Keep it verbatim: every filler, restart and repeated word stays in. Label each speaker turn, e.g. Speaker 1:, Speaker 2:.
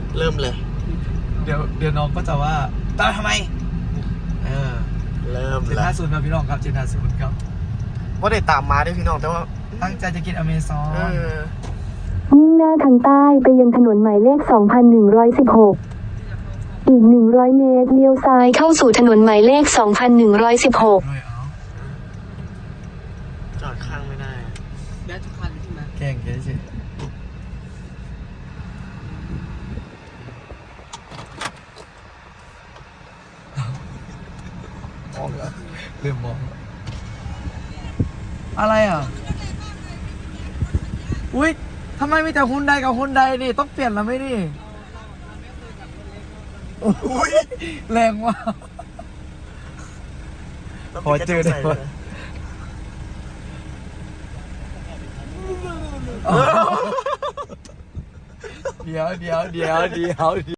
Speaker 1: เริ่มเลย
Speaker 2: เดี๋ยวเดี๋ยวน้องก็จะว่าตามทำไมเออ
Speaker 1: เริ่ม
Speaker 2: เจ็ด
Speaker 1: แล้ว
Speaker 2: ห้าศูนย์ครับพี่น้องครับเจ็ดห้าศูนย์ครับ
Speaker 1: ว่าได้ตามมาด้วยพี่น้องแต่ว่า
Speaker 2: ตั้งใจจะกินอเมซอน
Speaker 1: เออ
Speaker 3: มุ่งหน้าทางใต้ไปยังถนนหมายเลข สองพันหนึ่งร้อยสิบหก อีก หนึ่งร้อย เมตรเลี้ยวซ้ายเข้าสู่ถนนหมายเลข สองพันหนึ่งร้อยสิบหก
Speaker 2: ด้วยเอา
Speaker 1: จอดข้างไม่ได้
Speaker 4: ได้ทุกคันใช่ไหม
Speaker 2: แกล้งแกเฉยมองแล้วเริ่มมองแล้วอะไรอ่ะอุ้ยทำไมมีแต่ฮุนไดกับฮุนไดนี่ต้องเปลี่ยนแล้วไหมนี่อุ้ยแรงว่ะพอเจอได้ปะเดี๋ยวเดี๋ยวเดี๋ยวเดี๋ยว